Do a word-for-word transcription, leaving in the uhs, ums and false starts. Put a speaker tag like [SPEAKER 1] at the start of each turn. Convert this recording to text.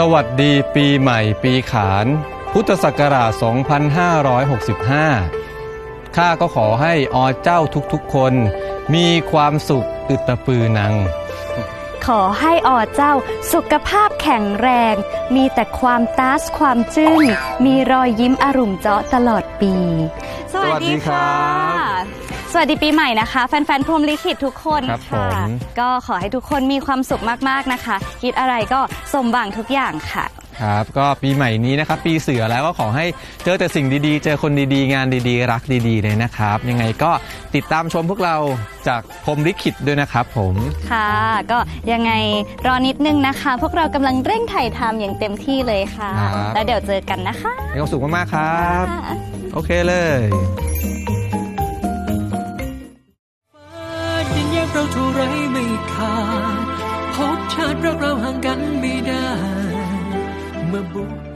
[SPEAKER 1] วัสดีปีใหม่ปีขานพุทธศักราช สองพันห้าร้อยหกสิบห้า ข้าก็ขอให้อเจ้าทุกๆคนมีความสุขอึตปือนัง
[SPEAKER 2] ขอให้อเจ้าสุขภาพแข็งแรงมีแต่ความตาสความจื้นมีรอยยิ้มอรุ่มเจาะตลอดปีสวัสดีค่ะสวัสดีปีใหม่นะคะแฟนๆพรหมลิขิตทุกคนค่ะก็ขอให้ทุกคนมีความสุขมากๆนะคะคิดอะไรก็สมหวังทุกอย่างค่ะ
[SPEAKER 1] ครับก็ปีใหม่นี้นะครับปีเสือแล้วก็ขอให้เจอแต่สิ่งดีๆเจอคนดีๆงานดีๆรักดีๆเลยนะครับยังไงก็ติดตามชมพวกเราจากพรหมลิขิตด้วยนะครับผม
[SPEAKER 2] ค่ะก็ยังไงรอนิดนึงนะคะพวกเรากำลังเร่งถ่ายทำอย่างเต็มที่เลยค่ะแล้วเดี๋ยวเจอกันนะคะ
[SPEAKER 1] มีความสุขมากๆครับโอเคเลย
[SPEAKER 3] เราเท่าไรไม่ขาดพบชาติรักเราห่างกันไม่ได้เมื่อบุ